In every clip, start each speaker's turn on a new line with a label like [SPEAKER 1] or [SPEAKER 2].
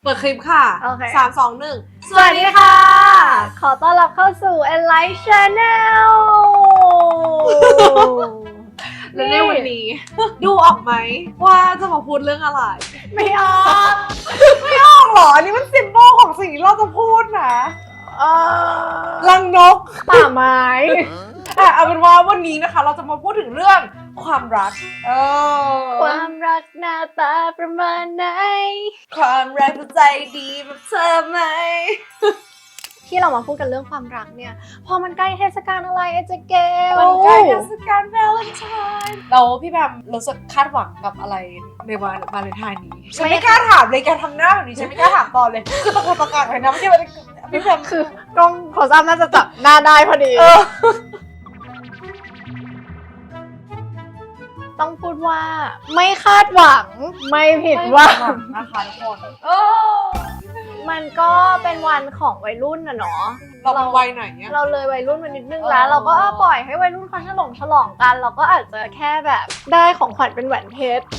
[SPEAKER 1] ปิดคลิปค่ะ
[SPEAKER 2] โอเค
[SPEAKER 1] 3 2 1
[SPEAKER 2] สวัสดีค่ะ ขอต้อนรับเข้าสู่ Enlight Channel
[SPEAKER 1] และในวันนี้ ดูออกไหมว่าจะมาพูดเรื่องอะไร
[SPEAKER 2] ไม่ออก
[SPEAKER 1] ไม่ออกหรออันนี้มันซิมโบลของสิ่งที่เราจะพูดนะรังนก
[SPEAKER 2] ป่าไม้
[SPEAKER 1] เอาเป็นว่าวันนี้นะคะ เราจะมาพูดถึงเรื่องความรัก
[SPEAKER 2] ความรักหน้าตาประมาณไหน
[SPEAKER 1] ความรักใจดีแบบเธอไหม
[SPEAKER 2] ที่เรามาพูดกันเรื่องความรักเนี่ยพอมันใกล้เทศกาลอะไรเจเกล
[SPEAKER 1] มันใกล้เทศกาลวาเลนไทน์แล้วพี่แบมรู้สึกคาดหวังกับอะไรในวันวาเลนไทน์นี้ฉันไม่กล้าถามเลยการทำหน้าแบบนี้ฉันไม่กล้าถามตอนเลยคือตะโกนตะกากเลยนะไม่ใช่ว่าพี่แบม
[SPEAKER 2] คือกล้องขอซ้ำน่าจะจับหน้าได้พอดี ต้องพูดว่าไม่คาดหวังไม่ผิดหวัง
[SPEAKER 1] นะคะทุกคน
[SPEAKER 2] มันก็เป็นวันของวัยรุ่นนะเนาะ
[SPEAKER 1] เราวัยไหนเนี่ย
[SPEAKER 2] เราเลยวัยรุ่นมานิดนึงแล้ว เราก็ปล่อยให้วัยรุ่นเขาฉลองกัน เราก็อาจจะแค่แบบได้ของขวัญเป็นแหวนเพชร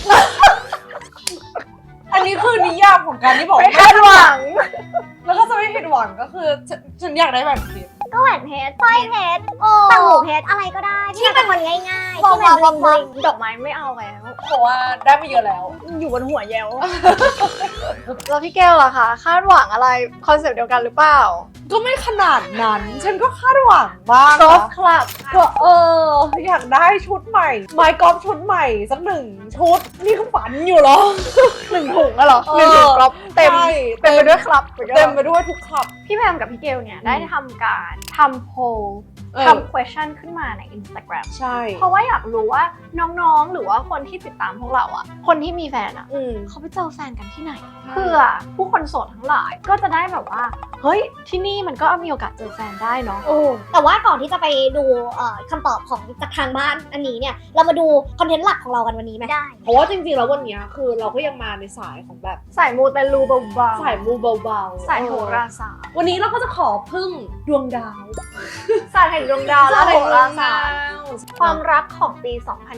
[SPEAKER 1] อันนี้คือนิยามของการที่บอก
[SPEAKER 2] ไม่คาดหวัง
[SPEAKER 1] แล้วก็จะไม่ผิดหวังก็คือฉันอยากได้แบบนี้
[SPEAKER 3] ก็แหวนเพชรสร้อยเพชรต่างหูเพชรอะไรก็ได้ที่เป็นคนง่ายๆที่มันบลิงบลิง
[SPEAKER 2] ดอกไม้ไม่เอาแล้ว
[SPEAKER 1] เพราะว่าได้มาเยอะแล้ว
[SPEAKER 2] อยู่บนหัวเยล แล้วพี่แก้วล่ะคะคาดหวังอะไรคอนเซปต์เดียวกันหรือเปล่า
[SPEAKER 1] ก็ไม่ขนาดนั้น ฉันก็คาดหวังบ้าง
[SPEAKER 2] กอล์ฟ
[SPEAKER 1] นะ
[SPEAKER 2] คลับ
[SPEAKER 1] ก็อยากได้ชุดใหม่ไม้กอล์ฟชุดใหม่สัก1 ชุดนี่คือฝันอยู่เหรอ
[SPEAKER 2] 1 ถุงอะเหรอ1 ถุงกอล์ฟเต็ม
[SPEAKER 1] ใช่
[SPEAKER 2] เต็มไปด้วยคลับ
[SPEAKER 1] เต็มไปด้วยทุกขับ
[SPEAKER 2] พี่แพมกับพี่เกลเนี่ยได้ทำการทำโพล
[SPEAKER 1] เออ
[SPEAKER 2] ทำ question ขึ้นมาใน Instagram
[SPEAKER 1] ใช่
[SPEAKER 2] เพราะว่าอยากรู้ว่าน้องๆ หรือว่าคนที่ติดตามพวกเราอะคนที่มีแฟนอะ
[SPEAKER 1] อืม
[SPEAKER 2] เขาไปเจอแฟนกันที่ไหน เพื่อผู้คนโสดทั้งหลายก็จะได้แบบว่า เฮ้ย ที่นี่มันก็มีโอกาสเจอแฟนได้เนาะ
[SPEAKER 3] แต่ว่าก่อนที่จะไปดูคำตอบของจากทางบ้านอันนี้เนี่ยเรามาดูคอนเทนต์หลักของเรากันวันนี้ไหมได้
[SPEAKER 1] เพราะว่าจริงๆแล้ววันเนี้ยคือเราก็ยังมาในสายของแบบ
[SPEAKER 2] สายมูเตลูเบาๆ
[SPEAKER 1] สายมูเบาๆ
[SPEAKER 2] สายโหราศาสตร์
[SPEAKER 1] วันนี้เราก็จะขอพึ่งดวงดาว
[SPEAKER 2] ศาสตร์แห่งดวงดาวและโหราศาสตร์
[SPEAKER 1] ค
[SPEAKER 2] ความ วามรักของปี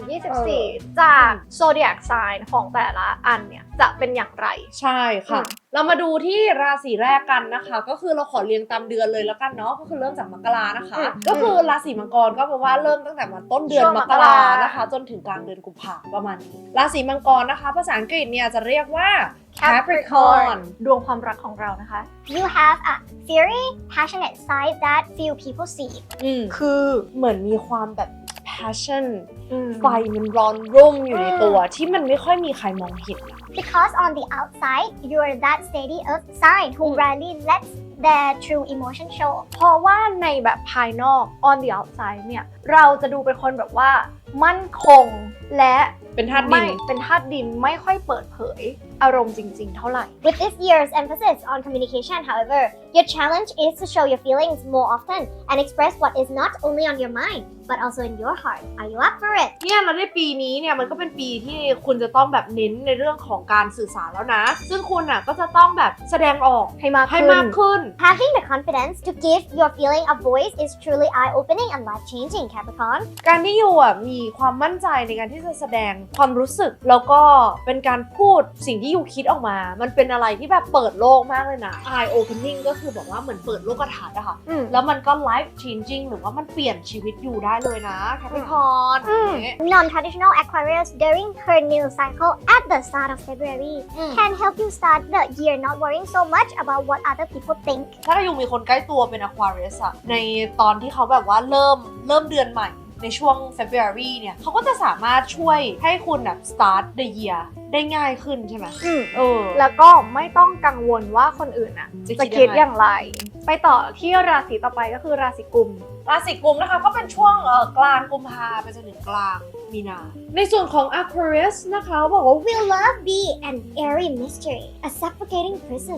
[SPEAKER 2] 2024 จากโซเดียกไซน์ของแต่ละอันเนี่ยจะเป็นอย่างไร
[SPEAKER 1] ใช่ค่ะ เรามาดูที่ราศีแรกกันนะคะ ก็คือเราขอเรียงตามเดือนเลยแล้วกันเนาะก็คือเริ่มจากมกรานะคะ ก็คือราศีมังกรก็แปลว่าเริ่มตั้งแต่วันต้นเดือน
[SPEAKER 2] ช่วง
[SPEAKER 1] ม
[SPEAKER 2] ม
[SPEAKER 1] ก
[SPEAKER 2] ก
[SPEAKER 1] รา
[SPEAKER 2] รา
[SPEAKER 1] นะคะ จนถึงกลางเดือนกุมภาพันธ์ประมาณนี้ราศีมังกรนะคะ ภาษาอังกฤษเนี่ยจะเรียกว่า Capricorn
[SPEAKER 2] ดวงความรักของเรานะคะ
[SPEAKER 3] You have a fiery passionate side that few people see
[SPEAKER 1] คือเหมือนมีความแบบ passion ไฟ
[SPEAKER 2] ไป
[SPEAKER 1] มันร้อนรุ่มอยู่ในตัวที่มันไม่ค่อยมีใครมองเห็นอะ
[SPEAKER 3] because on the outside you're that steady earth sign who rarely lets their true emotion show
[SPEAKER 2] เพราะว่าในแบบภายนอก on the outside เนี่ย เราจะดูเป็นคนแบบว่า มั่นคงและ
[SPEAKER 1] เป็นธาตุดิ
[SPEAKER 2] ไม่
[SPEAKER 1] น
[SPEAKER 2] เป็นธาตุดินไม่ค่อยเปิดเผยอารมณ์จริงๆ เท่าไหร่
[SPEAKER 3] With this year's emphasis on communication, however, your challenge is to show your feelings more often and express what is not only on your mind, but also in your heart. Are you up for it?
[SPEAKER 1] เนี่ยแล้วในปีนี้เนี่ยมันก็เป็นปีที่คุณจะต้องแบบเน้นในเรื่องของการสื่อสารแล้วนะ ซึ่งคุณอ่ะก็จะต้องแบบแสดงออก
[SPEAKER 2] ให้มาก
[SPEAKER 1] ให้
[SPEAKER 2] ขึ้น
[SPEAKER 1] มากขึ้น
[SPEAKER 3] Having the confidence to give your feeling a voice is truly eye-opening and life-changing, Capricorn.
[SPEAKER 1] การที่อยู่อ่ะมีความมั่นใจในการที่จะแสดงความรู้สึกแล้วก็เป็นการพูดสิ่งที่อยู่คิดออกมา มันเป็นอะไรที่แบบเปิดโลกมากเลยนะ eye opening ก็คือบอกว่าเหมือนเปิดโลกทัศน์อะค่ะ แล้วมันก็ life changing หรือว่ามันเปลี่ยนชีวิตอยู่ได้เลยนะแคปิคอน
[SPEAKER 3] Non-traditional Aquarius during her new cycle at the start of February can help you start the year not worrying so much about what other people think.
[SPEAKER 1] ถ้าอยู่มีคนใกล้ตัวเป็น Aquarius อะในตอนที่เขาแบบว่าเริ่มเดือนใหม่ในช่วง February เนี่ยเขาก็จะสามารถช่วยให้คุณแบบ start the year ได้ง่ายขึ้นใช่ไหม
[SPEAKER 2] แล้วก็ไม่ต้องกังวลว่าคนอื่นอ่ะ
[SPEAKER 1] จะคิด
[SPEAKER 2] จะคิด
[SPEAKER 1] ยังไง
[SPEAKER 2] อย่างไร ไปต่อที่ราศีต่อไปก็คือราศีกุม
[SPEAKER 1] ราศีกุมนะคะก็เป็นช่วงกลางกุมภาไปจนถึงกลางมีนา ในส่วนของ Aquarius นะคะบอกว่า
[SPEAKER 3] Will love be an airy mystery, a suffocating prison,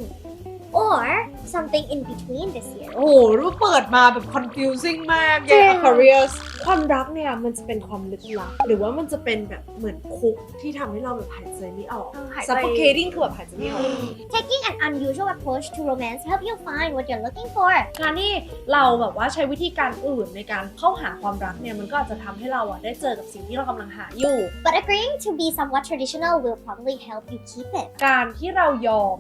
[SPEAKER 3] or something in between this year?
[SPEAKER 1] โอ้โหรู้เปิดมาแบบ confusing มาก
[SPEAKER 2] จริ
[SPEAKER 1] แก
[SPEAKER 2] ง
[SPEAKER 1] Aquarius ความรักเนี่ยมันจะเป็นความลึกลับหรือว่ามันจะเป็นแบบเหมือนคุกที่ทำให้เราแบบหายใจไม่ออก
[SPEAKER 2] หายใจ
[SPEAKER 1] suffocating คือแบบหายใจไม่ออก
[SPEAKER 3] Taking an unusual approach to romance help you find what you're looking for.
[SPEAKER 1] การที่เราแบบว่าใช้วิธีการอื่นในการเข้าหาความรักเนี่ยมันก็อาจจะทำให้เราอะได้เจอกับสิ่งที่เรากำลังหาอยู่
[SPEAKER 3] But agreeing to be somewhat traditional will probably help you keep it.
[SPEAKER 1] การที่เรายอม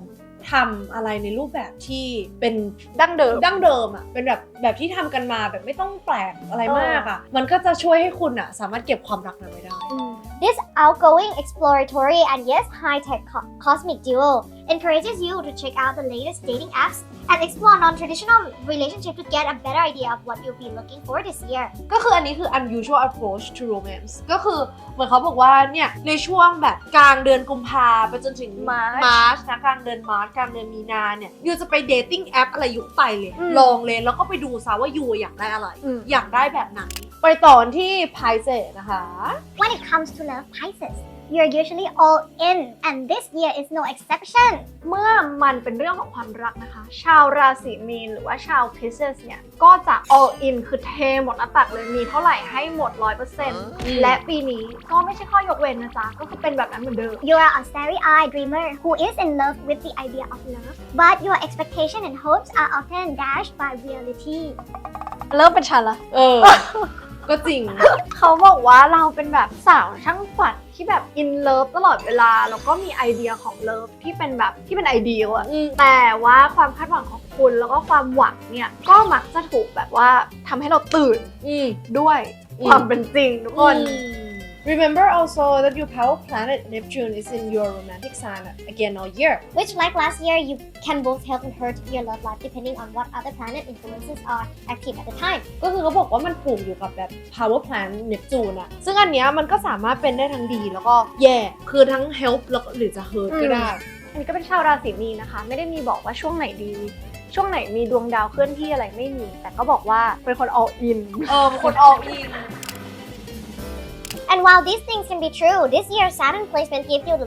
[SPEAKER 1] ทำอะไรในรูปแบบที่เป็น
[SPEAKER 2] ดั้งเดิม
[SPEAKER 1] อ่ะเป็นแบบที่ทำกันมาแบบไม่ต้องแปลกอะไรมากอ่ะมันก็จะช่วยให้คุณอ่ะสามารถเก็บความรักนั้นไว้ได้
[SPEAKER 3] This outgoing, exploratory, and yes, high-tech cosmic duo encourages you to check out the latest dating apps and explore non-traditional relationships to get a better idea of what you'll be looking for this year.
[SPEAKER 1] ก็คืออันนี้คือ unusual approach to romance ก็คือเหมือนเขาบอกว่าเนี่ยในช่วงแบบกลางเดือนกุมภาไปจนถึง March นะกลางเดือน March กลางเดือนมีนาเนี่ยยูจะไป dating app อะไรยุคไปเลยลองเลยแล้วก็ไปดูซะว่ายูอยากได้อะไรอยากได้แบบไหนไปต่อที่ Pisces นะคะ
[SPEAKER 3] When it comes to love, Pisces, you're usually all in, and this year is no exception.
[SPEAKER 2] เมื่อมันเป็นเรื่องของความรักนะคะ ชาวราศีมีนหรือว่าชาว Pisces เนี่ยก็จะ all in คือเทหมดหน้าตักเลยมีเท่าไหร่ให้หมด 100% และปีนี้ก็ไม่ใช่ข้อยกเว้นนะจ๊ะก็คือเป็นแบบนั้นเหมือนเดิม
[SPEAKER 3] You're a starry-eyed dreamer who is in love with the idea of love, but your expectations and hopes are often dashed by reality.
[SPEAKER 2] เริ่มเป็นฉันละ
[SPEAKER 1] ก็จริง
[SPEAKER 2] เขาบอกว่าเราเป็นแบบสาวช่างฝันที่แบบ in love ตลอดเวลาแล้วก็มีไอเดียของ love ที่เป็นแบบที่เป็นไอเดียอะแต่ว่าความคาดหวังของคุณแล้วก็ความหวังเนี่ยก็มักจะถูกแบบว่าทำให้เราตื่นด้วยความเป็นจริงทุกคน
[SPEAKER 1] Remember also that your power planet Neptune is in your romantic sign again all year.
[SPEAKER 3] Which, like last year, you can both help and hurt your love life depending on what other planet influences are active at the time.
[SPEAKER 1] ก็คือเขาบอกว่ามันผูกอยู่กับแบบ power planet Neptune อะซึ่งอันเนี้ยมันก็สามารถเป็นได้ทั้งดีแล้วก็แย่คือทั้ง help แล้วก็หรือจะ hurt ก็ได้
[SPEAKER 2] อันนี้ก็เป็นชาวราศีมีนนะคะไม่ได้มีบอกว่าช่วงไหนดีช่วงไหนมีดวงดาวเคลื่อนที่อะไรไม่มีแต่ก็บอกว่าเป็นคน all in
[SPEAKER 1] เป็นคน all in
[SPEAKER 3] And while these things can be true, this year's Saturn placement give your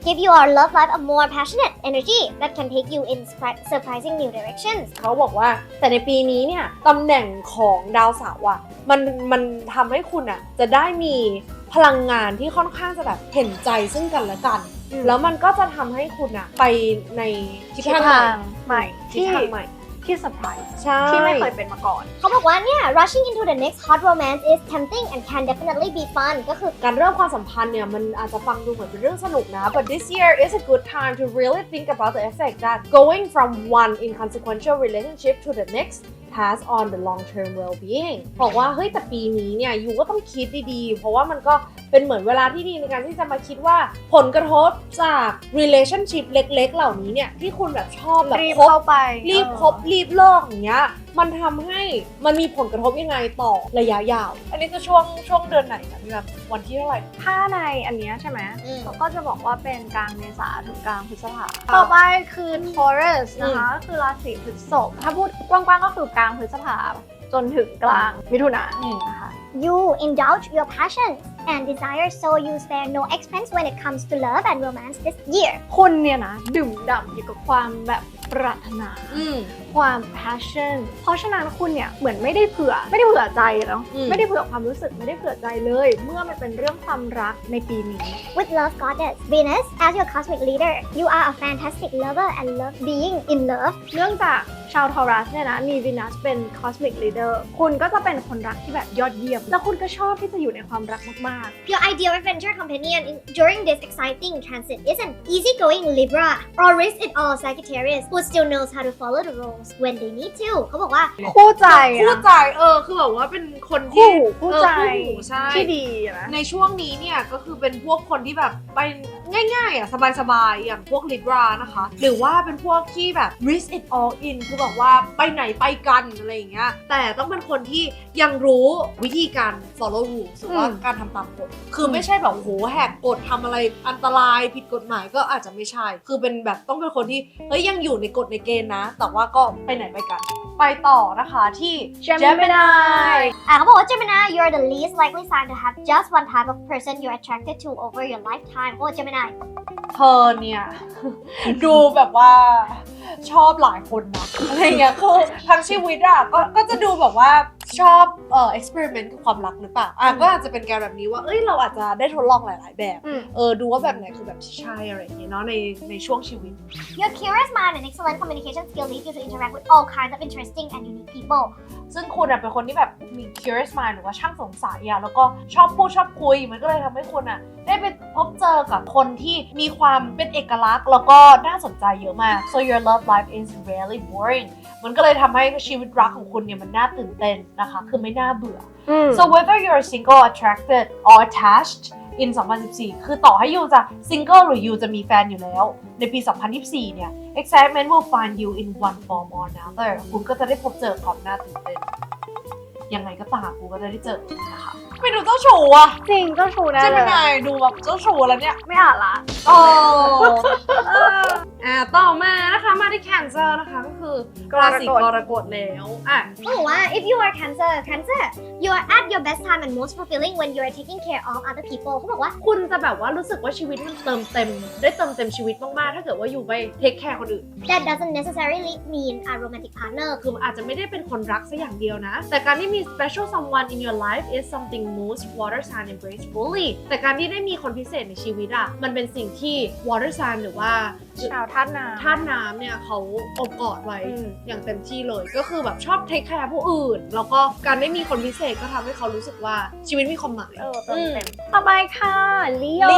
[SPEAKER 3] love life a more passionate energy that can take you in surprising new directions.
[SPEAKER 1] เขาบอกว่าแต่ในปีนี้เนี่ยตำแหน่งของดาวเสาร์อะมันทำให้คุณอะจะได้มีพลังงานที่ค่อนข้างจะแบบเห็นใจซึ่งกันและกันแล้วมันก็จะทำให้คุณอะไปในทิศทางใหม่ที่เซอร์ไพรส์ที่ไม่เคยเป็นมาก่อน
[SPEAKER 3] เขาบอกว่าเนี่ย rushing into the next hot romance is tempting and can definitely be fun ก็คือ
[SPEAKER 1] การเริ่มความสัมพันธ์เนี่ยมันอาจจะฟังดูเหมือนเป็นเรื่องสนุกนะ but this year is a good time to really think about the effect that going from one inconsequential relationship to the next has on the long-term well-being บอกว่าเฮ้ยแต่ปีนี้เนี่ยยูก็ต้องคิดดีๆเพราะว่ามันก็เป็นเหมือนเวลาที่ดีในการที่จะมาคิดว่าผลกระทบจาก relationship เล็กๆเหล่านี้เนี่ยที่คุณแบบชอบแบบรีบเข้าไปรีบคบรีบเลิกอย่างเงี้ยมันทำให้มันมีผลกระทบยังไงต่อระยะยาวอันนี้คือช่วงเดือนไหนนะพี่แบบวันที่เท่าไหร่
[SPEAKER 2] ถ้าในอันเนี้ยใช่ไหมเขาก็จะบอกว่าเป็นกลางเมษาถึงกลางพฤษภาต่อไปคือ Taurus นะคะก็คือราศีพฤษภถ้าพูดกว้างๆก็คือกลางพฤษภาจนถึงกลางมิถุนายนนะคะ
[SPEAKER 3] You indulge your passions and desires so you spare no expense when it comes to love and romance this year
[SPEAKER 2] คุณเนี่ยนะดื่มด่ำอยู่กับความแบบปรารถนาความ passion เพราะฉะนั้นคุณเนี่ยเหมือนไม่ได้เผื่อใจเนาะไม่ได้เผื่อความรู้สึกไม่ได้เผื่อใจเลยเมื่อมันเป็นเรื่องความรักในปีนี้
[SPEAKER 3] With love goddess Venus as your cosmic leader you are a fantastic lover and love being in love
[SPEAKER 2] เนื่องจากชาวทอรัสเนี่ยนะมี Venus เป็น cosmic leader คุณก็จะเป็นคนรักที่แบบยอดเยี่ยมแล้วคุณก็ชอบที่จะอยู่ในความรักมากๆ
[SPEAKER 3] Your ideal adventure companion during this exciting transit is an easygoing Libra or risk-it-all Sagittarius who still knows how to follow the rules when they need to เขาบอกว่า
[SPEAKER 2] คู่ใจ
[SPEAKER 1] คือแบบว่าเป็นคนที่
[SPEAKER 2] คู่ใจที่ดีนะ
[SPEAKER 1] ในช่วงนี้เนี่ยก็คือเป็นพวกคนที่แบบไปง่ายๆอ่ะสบายๆอย่างพวก Libra นะคะหรือว่าเป็นพวกที่แบบ risk it all in คือแบบว่าไปไหนไปกันอะไรอย่างเงี้ยแต่ต้องเป็นคนที่ยังรู้วิธีการ follow rules หรือว่าการทำตามกฎคือไม่ใช่แบบโหแหกกฎทำอะไรอันตรายผิดกฎหมายก็อาจจะไม่ใช่คือเป็นแบบต้องเป็นคนที่เฮ้ยยังอยู่ในกฎในเกณฑ์นะแต่ว่าก็ไปไหนไปกันไปต่อนะคะที่ Gemini
[SPEAKER 3] เขาบอกว่า Gemini you're the least likely sign to have just one type of person you're attracted to over your lifetime โอ้ Gemini
[SPEAKER 1] เธอเนี่ย ดูแบบว่าชอบหลายคนนะอะไรเงี้ยคือทั้งชีวิตอ่ะก็จะดูแบบว่าชอบexperiment กับความรักหรือเปล่าก็อาจจะเป็นการแบบนี้ว่าเราอาจจะได้ทดลองหลายๆแบบดูว่าแบบไหนคือแบบที่ใช่อะไรอย่างเงี้ยเนาะในช่วงชีวิต
[SPEAKER 3] Your curious mind and excellent communication skill lead you to interact with all kinds of interesting and unique people.
[SPEAKER 1] ซึ่งคุณเป็นคนที่แบบมี curious mind หรือว่าช่างสงสัยแล้วก็ชอบพูดชอบคุยมันก็เลยทำให้คุณได้ไปพบเจอกับคนที่มีความเป็นเอกลักษณ์แล้วก็น่าสนใจเยอะมาก so your love life is rarely boring มันก็เลยทำให้ชีวิตรักของคุณเนี่ยมันน่าตื่นเต้นนะคะคือไม่น่าเบื่อso whether you're single attracted or attached in 2014 คือต่อให้ยูจะ single หรือยูจะมีแฟนอยู่แล้วในปี 2024 เนี่ย excitement will find you in one form or another คุณก็จะได้พบเจอความน่าตื่นเต้นยังไงก็ตามคุณก็จะได้เจอนะคะไม่ดูเจ้าชู้อะ
[SPEAKER 2] จริงเจ้าชู้แน่
[SPEAKER 1] ใช่ไหม
[SPEAKER 2] เลย
[SPEAKER 1] นายดูแบบเจ้าชู้แล้วเนี่ย
[SPEAKER 2] ไม่อ่านละ
[SPEAKER 1] ต่อมานะคะมาที่ Cancer นะคะก็คือราศีกรกฎแล้ว
[SPEAKER 3] Oh wow, if you are Cancer, you are at your best time and most fulfilling when you are taking care of other people. เขาบอกว่า
[SPEAKER 1] คุณจะแบบว่ารู้สึกว่าชีวิตมันเติมเต็มชีวิตมากๆถ้าเกิดว่าอยู่ไปเทคแคร์คนอื่น
[SPEAKER 3] that doesn't necessarily mean a romantic partner.
[SPEAKER 1] คืออาจจะไม่ได้เป็นคนรักซะอย่างเดียวนะแต่การที่มี special someone in your life is something most water sign embrace fully แต่การที่ได้มีคนพิเศษในชีวิตมันเป็นสิ่งที่ water sign หรือว่า
[SPEAKER 2] ชาวธาตุน้ำ
[SPEAKER 1] ธาตุน้ำเนี่ยเขาอบกอดไว้อย่างเต็มที่เลยก็คือแบบชอบเทคแคร์ผู้อื่นแล้วก็การได้มีคนพิเศษก็ทำให้เขารู้สึกว่าชีวิตมีความหมาย
[SPEAKER 2] เต็มต่อไปค่ะ Leo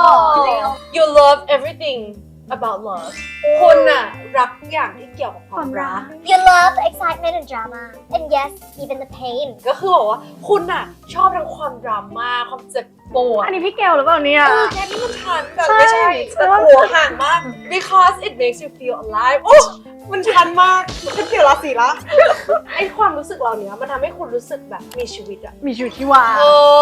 [SPEAKER 1] you love everything about love คุณรักอย่างที่เกี่ยวกับความรัก
[SPEAKER 3] You love the excitement and drama, and yes, even the pain.
[SPEAKER 1] ก็คือบอกว่าคุณชอบทั้งความดราม่าความเจ็บปวด
[SPEAKER 2] อันนี้พี่เกลหรือเปล่าเนี่ย
[SPEAKER 1] แค่นี้มันชันแบบไม่ใช่แต่หัวห่างมาก because it makes you feel alive โอ้มันชันมากฉันเกี่ยวราศีละไอความรู้สึกเหล่านี้มันทำให้คุณรู้สึกแบบมีชีวิต
[SPEAKER 2] มีชีวิตที่วา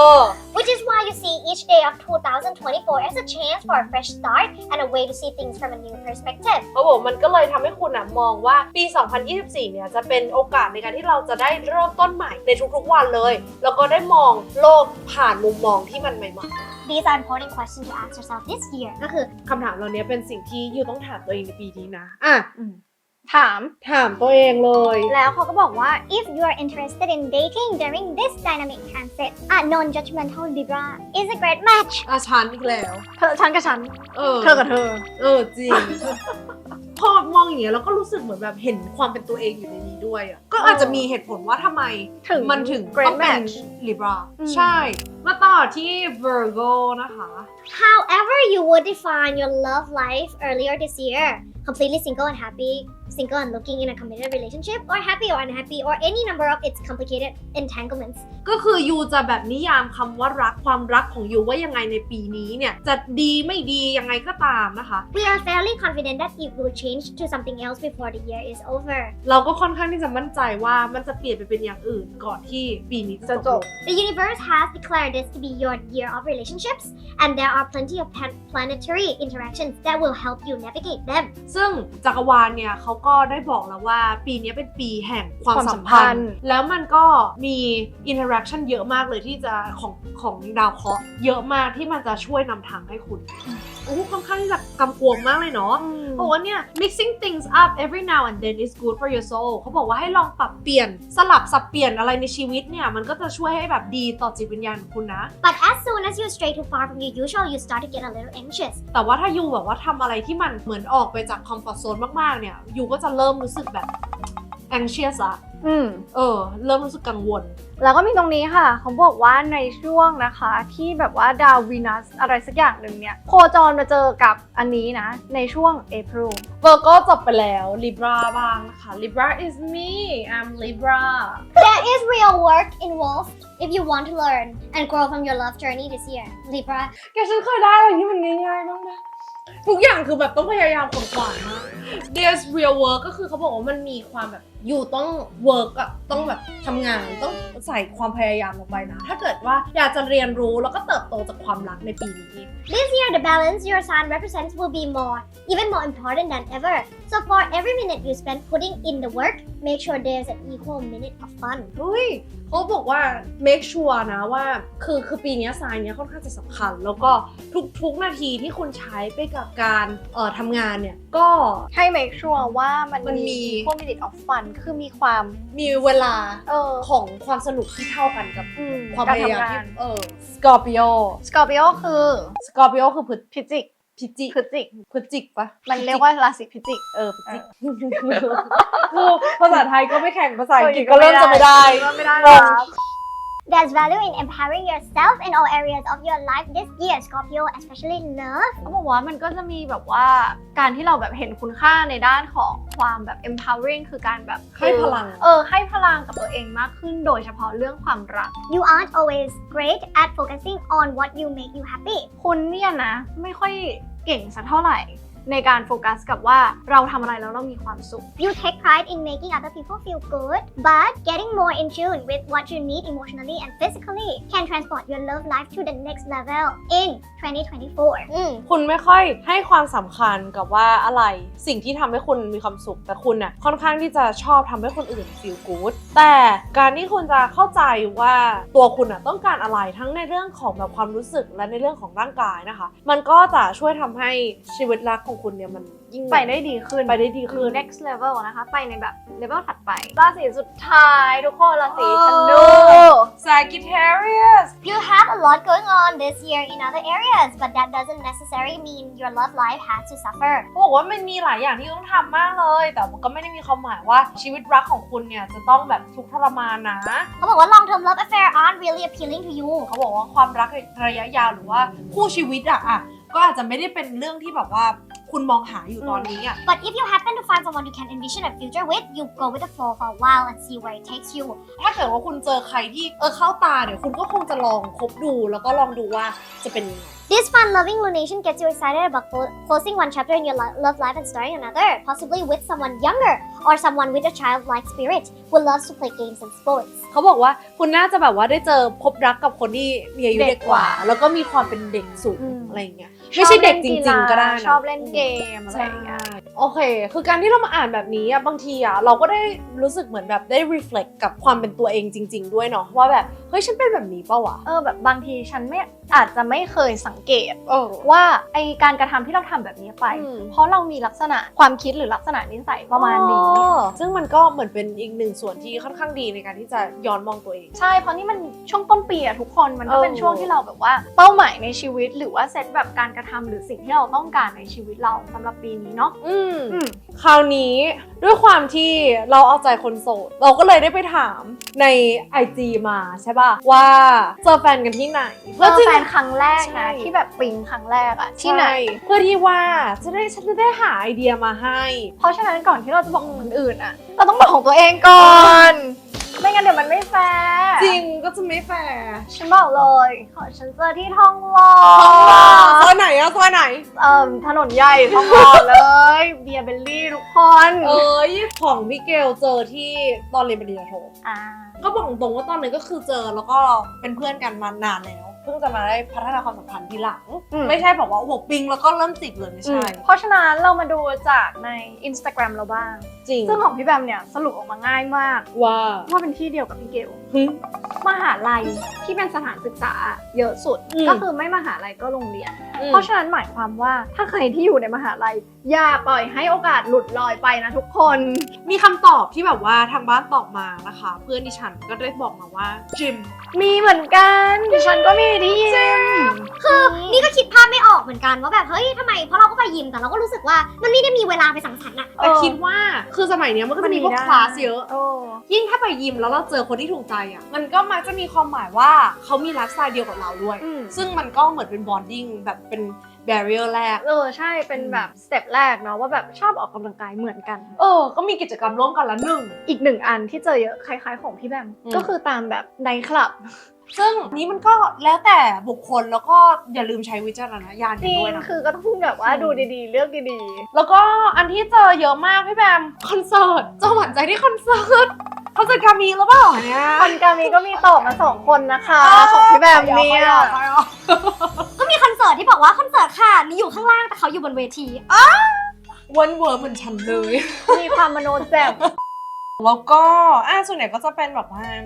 [SPEAKER 3] Which is why you see each day of 2024 as a chance for a fresh start and a way to see things from a new perspective.
[SPEAKER 1] เขาบอกมันก็เลยทำให้คุณมองว่าปี 2024 เนี่ยจะเป็นโอกาสในการที่เราจะได้เริ่มต้นใหม่ในทุกๆวันเลยแล้วก็ได้มองโลกผ่านมุมมองที่มันใหม่ๆ
[SPEAKER 3] These are important questions to ask yourself this year.
[SPEAKER 1] ก็คือคำถามเหล่านี้เป็นสิ่งที่ยูต้องถามตัวเองในปีนี้นะ
[SPEAKER 2] ถาม
[SPEAKER 1] ตัวเองเลย
[SPEAKER 3] แล้วเขาก็บอกว่า if you are interested in dating during this dynamic transit, a non-judgmental Libra is a great match.
[SPEAKER 1] ฉันอีกแล้ว
[SPEAKER 2] ฉันกับฉันเธอกับเธอ
[SPEAKER 1] จริง พอมองอย่างเงี้ยแล้วก็รู้สึกเหมือนแบบเห็นความเป็นตัวเองอยู่ในนี้ด้วยก็อาจจะมีเหตุผลว่าทำไมมันถึงต้องเป็น Libra ใช่มาต่อที่ Virgo นะคะ
[SPEAKER 3] However you would define your love life earlier this year, completely single and happy, single and looking in a committed relationship, or happy or unhappy, or any number of its complicated entanglements.
[SPEAKER 1] ก็คือยูจะแบบนิยามคำว่ารักความรักของยูว่ายังไงในปีนี้เนี่ยจะดีไม่ดียังไงก็ตามนะคะ
[SPEAKER 3] We are fairly confident that it will change to something else before the year is over.
[SPEAKER 1] เราก็ค่อนข้างที่จะมั่นใจว่ามันจะเปลี่ยนไปเป็นอย่างอื่นก่อนที่ปีนี้จะจบ
[SPEAKER 3] The universe has declared this to be your year of relationships, and there are plenty of planetary interactions that will help you navigate them.
[SPEAKER 1] ซึ่งจักรวาลเนี่ยเขาก็ได้บอกแล้วว่าปีนี้เป็นปีแห่งความสัมพันธ์แล้วมันก็มีอินเทอร์แอคชั่นเยอะมากเลยที่จะของดาวเคราะห์เยอะมากที่มันจะช่วยนำทางให้คุณค่อนข้างที่จะกำกวมมากเลยเนาะบอกว่าเนี่ย mixing things up every now and then is good for your soul เขาบอกว่าให้ลองปรับเปลี่ยนสลับสับเปลี่ยนอะไรในชีวิตเนี่ยมันก็จะช่วยให้แบบดีต่อจิตวิญญาณของคุณนะ
[SPEAKER 3] But as soon as you stray too far from your usual, you start to get a little anxious.
[SPEAKER 1] แต่ว่าถ้ายูแบบว่าทำอะไรที่มันเหมือนออกไปจากคอมฟอร์ตโซนมากๆเนี่ยยูก็จะเริ่มรู้สึกแบบ anxious ละเริ่มรู้สึกกังวล
[SPEAKER 2] แล้วก็มีตรงนี้ค่ะเขาบอกว่าในช่วงนะคะที่แบบว่าดาววีนัสอะไรสักอย่างหนึ่งเนี่ยโคจรมาเจอกับอันนี้นะในช่วง April
[SPEAKER 1] Virgo จบไปแล้ว Libra บ้างนะคะ Libra is me I'm Libra
[SPEAKER 3] There is real work involved if you want to learn and grow from your love journey this year Libra
[SPEAKER 1] แกฉันเคยได้อะไรที่มันง่ายๆบ้างไหมทุกอย่างคือแบบต้องพยายามขวนขวายมาก There's real work ก็คือเขาบอกว่ามันมีความแบบอยู่ต้อง work ต้องแบบทำงานต้องใส่ความพยายามลงไปนะถ้าเกิดว่าอยากจะเรียนรู้แล้วก็เติบโตจากความรักในปีนี้
[SPEAKER 3] This year the balance your sign represents will be even more important than ever so for every minute you spend putting in the work make sure there's an equal minute of fun
[SPEAKER 1] เขาบอกว่า make sure นะว่าคือปีนี้ไซน์เนี้ยค่อนข้างจะสำคัญแล้วก็ทุกนาทีที่คุณใช้ไปกับการทำงานเนี่ยก็
[SPEAKER 2] ให้ make sure ว่ามัน
[SPEAKER 1] มันมี
[SPEAKER 2] พวก minute of fun คือมีความ
[SPEAKER 1] มีเวลา
[SPEAKER 2] ของ
[SPEAKER 1] ความสนุกที่เท่ากันกับความ
[SPEAKER 2] การ
[SPEAKER 1] พยายาม
[SPEAKER 2] ทำงา
[SPEAKER 1] ที่
[SPEAKER 2] น
[SPEAKER 1] Scorpio
[SPEAKER 2] Scorpio คือ
[SPEAKER 1] Scorpio คือ
[SPEAKER 2] พิจิก
[SPEAKER 1] พิจิก
[SPEAKER 2] พฤศจิก
[SPEAKER 1] พฤศจิกปะ
[SPEAKER 2] มันเรียกว่าราศีพิจิก
[SPEAKER 1] พฤศจิกคือภาษาไทยก็ไม่แข่งภาษาอังกฤษก็เริ่มจะไม่ได้
[SPEAKER 2] ไม่ได้แล้ว
[SPEAKER 3] There's value in empowering yourself in all areas of your life this year, Scorpio, especially love.
[SPEAKER 2] เขาบอกว่ามันก็จะมีแบบว่าการที่เราแบบเห็นคุณค่าในด้านของความแบบ empowering คือการแบบ
[SPEAKER 1] ให้พลัง
[SPEAKER 2] ให้พลังกับตัวเองมากขึ้นโดยเฉพาะเรื่องความรัก
[SPEAKER 3] You aren't always great at focusing on what you make you happy.
[SPEAKER 2] คุณเนี่ยนะไม่ค่อยเก่งสักเท่าไหร่ในการโฟกัสกับว่าเราทำอะไรแล้วเรามีความสุข
[SPEAKER 3] You take pride in making other people feel good, but getting more in tune with what you need emotionally and physically can transport your love life to the next level in 2024.
[SPEAKER 1] คุณไม่ค่อยให้ความสำคัญกับว่าอะไรสิ่งที่ทำให้คุณมีความสุขแต่คุณน่ะค่อนข้างที่จะชอบทำให้คนอื่น feel good แต่การที่คุณจะเข้าใจว่าตัวคุณน่ะต้องการอะไรทั้งในเรื่องของแบบความรู้สึกและในเรื่องของร่างกายนะคะมันก็จะช่วยทำให้ชีวิตรักของคุณเนี่ยมันยิ่ง
[SPEAKER 2] ไปได้ดีขึ้น next level นะคะไปในแบบ level ถัดไปราศีสุดท้ายทุกคนราศีธนู
[SPEAKER 1] Sagittarius
[SPEAKER 3] You have a lot going on this year in other areas, but that doesn't necessarily mean your love life has to suffer.
[SPEAKER 1] เขาบอกว่ามันมีหลายอย่างที่ต้องทำมากเลยแต่มันก็ไม่ได้มีความหมายว่าชีวิตรักของคุณเนี่ยจะต้องแบบทุกข์ทรมานนะ
[SPEAKER 3] เขาบอกว่า long-term love affair aren't really appealing to you.
[SPEAKER 1] เขาบอกว่าความรักระยะยาวหรือว่าคู่ชีวิตอะก็อาจจะไม่ได้เป็นเรื่องที่แบบว่าคุณมองหาอยู่ตอนนี้อะ
[SPEAKER 3] But if you happen to find someone you can envision a future with, you go with the flow for a while and see where it takes you.
[SPEAKER 1] ถ้าเกิดว่าคุณเจอใครที่เข้าตาเนี่ยคุณก็คงจะลองคบดูแล้วก็ลองดูว่าจะเป็นยังไง
[SPEAKER 3] This fun-loving lunation gets you excited about closing one chapter in your love life and starting another, possibly with someone younger or someone with a childlike spirit who loves to play games and sports.
[SPEAKER 1] เขาบอกว่าคุณน่าจะแบบว่าได้เจอพบรักกับคนที่มีอายุเด็กกว่า แล้วก็มีความเป็นเด็กสูงอะไรอย่างเงี้ยไม่ใช่เด็กจริงๆก็ได้นะ
[SPEAKER 2] ชอบเล่นเกมอะไรอย่างเงี้ย
[SPEAKER 1] โอเคคือการที่เรามาอ่านแบบนี้อะบางทีอะเราก็ได้รู้สึกเหมือนแบบได้ reflect กับความเป็นตัวเองจริงๆด้วยเนาะว่าแบบเฮ้ยฉันเป็นแบบนี้ป่าววะ
[SPEAKER 2] แบบบางทีฉันไม่อาจจะไม่เคยสังเกต
[SPEAKER 1] ว่า
[SPEAKER 2] ว่าไอการกระทำที่เราทำแบบนี้ไป เพราะเรามีลักษณะความคิดหรือลักษณะนิสัยประมาณนี้
[SPEAKER 1] ซึ่งมันก็เหมือนเป็นอีกหนึ่งส่วนที่ค่อนข้างดีในการที่จะย้อนมองตัวเอง
[SPEAKER 2] ใช่เพราะนี่มันช่วงต้นปีอะทุกคนมันก็เป็นช่วงที่เราแบบว่าเป้าหมายในชีวิตหรือว่าเซตแบบการกระทำหรือสิ่งที่เราต้องการในชีวิตเราสำหรับปีนี้เนาะ
[SPEAKER 1] คราวนี้ด้วยความที่เราเอาใจคนโสดเราก็เลยได้ไปถามใน IG มาใช่ป่ะว่าเจอแฟนกันที่ไหน
[SPEAKER 2] เจอแฟนครั้งแรกนะที่แบบปิ๊งครั้งแรกอะที่ไหน
[SPEAKER 1] เพื่อที่ว่าฉันจะได้หาไอเดียมาให้
[SPEAKER 2] เพราะฉะนั้นก่อนที่เราจะบอกคนอื่นอะเราต้องบอกของตัวเองก่อน ไม่งั้นเดี๋ยวมันไม่แฟร์
[SPEAKER 1] จริงก็จะไม่แฟร์
[SPEAKER 2] ฉันบอกเลยของฉันเจอที่ทองหล่อ
[SPEAKER 1] ซอยไหนอะซอยไหน
[SPEAKER 2] ถนนใหญ่ทองหล่อเลยเบียร์เบลลี่ทุกคน
[SPEAKER 1] ของพี่เกลเจอที่ตอนเรียนปริญญาโท ก็บอกตรงว่าตอนนั้นก็คือเจอแล้วก็เป็นเพื่อนกันมานานแล้วเพิ่งจะมาได้พัฒนาความสัมพันธ์ทีหลังไม่ใช่บอกว่าโอ้โหปิงแล้วก็เริ่มติดเลยไม่ใช่
[SPEAKER 2] เพราะฉะนั้นเรามาดูจากใน Instagram เราบ้าง
[SPEAKER 1] จริง
[SPEAKER 2] ซึ่งของพี่แบมเนี่ยสรุปออกมาง่ายมาก
[SPEAKER 1] ว่า
[SPEAKER 2] เป็นที่เดียวกับพี่เกลมหาลัยที่เป็นสถานศึกษาเยอะสุดก็คือไม่มหาลัยก็โรงเรียนเพราะฉะนั้นหมายความว่าถ้าใครที่อยู่ในมหาลัยอย่าปล่อยให้โอกาสหลุดลอยไปนะทุกคน
[SPEAKER 1] มีคำตอบที่แบบว่าทางบ้านตอบมานะคะเพื่อนดิฉันก็ได้บอกมาว่าจิม
[SPEAKER 2] มีเหมือนกันดิฉันก็มีที่ยิม
[SPEAKER 3] คือนี่ก็คิดภาพไม่ออกเหมือนกันว่าแบบเฮ้ยทำไมเพราะเราก็ไปยิมแต่เราก็รู้สึกว่ามันไม่ได้มีเวลาไปสังสรรค์อะ
[SPEAKER 1] แต่คิดว่าคือสมัยเนี้ยมันก็จะมีพวกคลาสเยอะยิ่งถ้าไปยิมแล้วเราเจอคนที่ถูกใจอ่ะมันก็มักจะมีความหมายว่าเขามีไลฟ์สไตล์เดียวกับเราด้วย ซึ่งมันก็เหมือนเป็นบอนดิ้งแบบเป็นแบเรียร์แรก
[SPEAKER 2] ใช่เป็นแบบสเต็ปแรกเนาะว่าแบบชอบออกกำลังกายเหมือนกัน
[SPEAKER 1] ก็มีกิจกรรมร่วมกันละหนึ่ง
[SPEAKER 2] อีกหนึ่งอันที่เจอเยอะคล้ายๆของพี่แบมก็คือตามแบบไนท์คลับ
[SPEAKER 1] ซึ่งนี้มันก็แล้วแต่บุคคลแล้วก็อย่าลืมใช้วิจารณญาณกันด้วยนะ
[SPEAKER 2] คือก็ต้องแบบว่าดูดีๆเลือกดี
[SPEAKER 1] ๆแล้วก็อันที่เจอเยอะมากพี่แบมคอนเสิร์ตเจ้าหวั่นใจที่คอนเสิร์ตกามีหรือเปล่าเนี่ย
[SPEAKER 2] คอนกามีก็มีตอบมา2คนนะคะของพี่แบมเนี่ย
[SPEAKER 3] ก็มีคอนเสิร์ตที่บอกว่าคอนเสิร์ตค่ะมีอยู่ข้างล่างแต่เขาอยู่บนเวที
[SPEAKER 1] วันเวิร์ดเหมือนฉันเลย
[SPEAKER 2] มีความมโนแจ่ม
[SPEAKER 1] แล้วก็ส่วนใหญ่ก็จะเป็นแบบว่า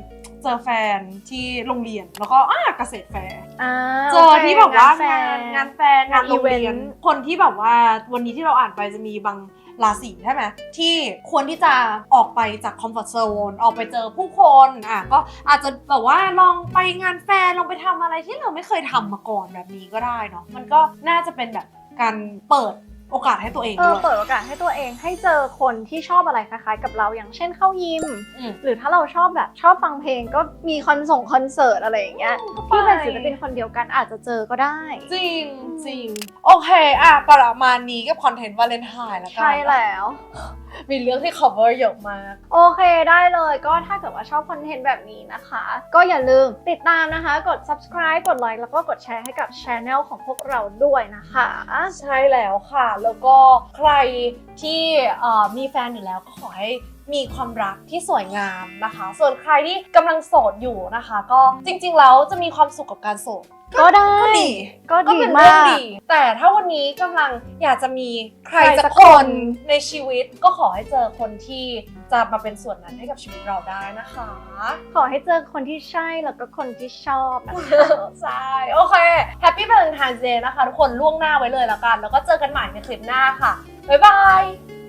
[SPEAKER 1] เจอแฟนที่โรงเรียนแล้วก็เกษตรแฟร์ เจ
[SPEAKER 2] โอ
[SPEAKER 1] อ
[SPEAKER 2] เค
[SPEAKER 1] ที่แบบว่าง
[SPEAKER 2] าน
[SPEAKER 1] งานแฟนงานโรงเรียนคนที่แบบว่าวันนี้ที่เราอ่านไปจะมีบางราศีใช่ไหมที่ควรที่จะออกไปจากคอมฟอร์ทโซนออกไปเจอผู้คนก็อาจจะแบบว่าลองไปงานแฟนลองไปทำอะไรที่เราไม่เคยทำมาก่อนแบบนี้ก็ได้เนาะมันก็น่าจะเป็นแบบการเปิดโอกาสให้ตัวเองด้วย
[SPEAKER 2] เปิดโอกาสให้ตัวเองให้เจอคนที่ชอบอะไรคล้ายๆกับเราอย่างเช่นเข้ายิม หรือถ้าเราชอบฟังเพลงก็มีคอนเสิร์ตอะไรอย่างเงี้ยที่เป็นศิลปินคนเดียวกันอาจจะเจอก็ได้
[SPEAKER 1] จริงจริงโอเคประมาณนี้กับคอนเทนต์วาเลนไทน์แล้วกัน
[SPEAKER 2] ใช่แล้ว
[SPEAKER 1] มีเรื่องที่ cover เยอะมาก
[SPEAKER 2] โอเคได้เลยก็ถ้าเกิดว่าชอบคอนเทนต์แบบนี้นะคะ ก็อย่าลืมติดตามนะคะกด subscribe กดไลค์แล้วก็กดแชร์ให้กับ channel ของพวกเราด้วยนะคะ
[SPEAKER 1] ใช่แล้วค่ะ แล้วก็ใครที่มีแฟนอยู่แล้วก็ขอให้มีความรักที่สวยงามนะคะ ส่วนใครที่กำลังโสดอยู่นะคะ ก็จริงๆแล้วจะมีความสุขกับการโสด
[SPEAKER 2] ก็ได้
[SPEAKER 1] ก็
[SPEAKER 2] ก็ดี
[SPEAKER 1] เป็น
[SPEAKER 2] มา
[SPEAKER 1] เรื่อง
[SPEAKER 2] ก
[SPEAKER 1] ดี แต่ถ้าวันนี้กำลังอยากจะมีใคร
[SPEAKER 2] ใครสั
[SPEAKER 1] สัก
[SPEAKER 2] ก
[SPEAKER 1] ค
[SPEAKER 2] คน น
[SPEAKER 1] ในชีวิตก็ขอให้เจอคนที่จะมาเป็นส่วนนั้นให้กับชีวิตเราได้นะคะ
[SPEAKER 2] ขอให้เจอคนที่ใช่แล้วก็คนที่ชอบนะคะ
[SPEAKER 1] ใช่ โอเค Happy Valentine's Day นะคะทุกคนล่วงหน้าไว้เลยแล้วกัน แล้วก็เจอกันใหม่ในคลิปหน้าค่ะ บ๊ายบาย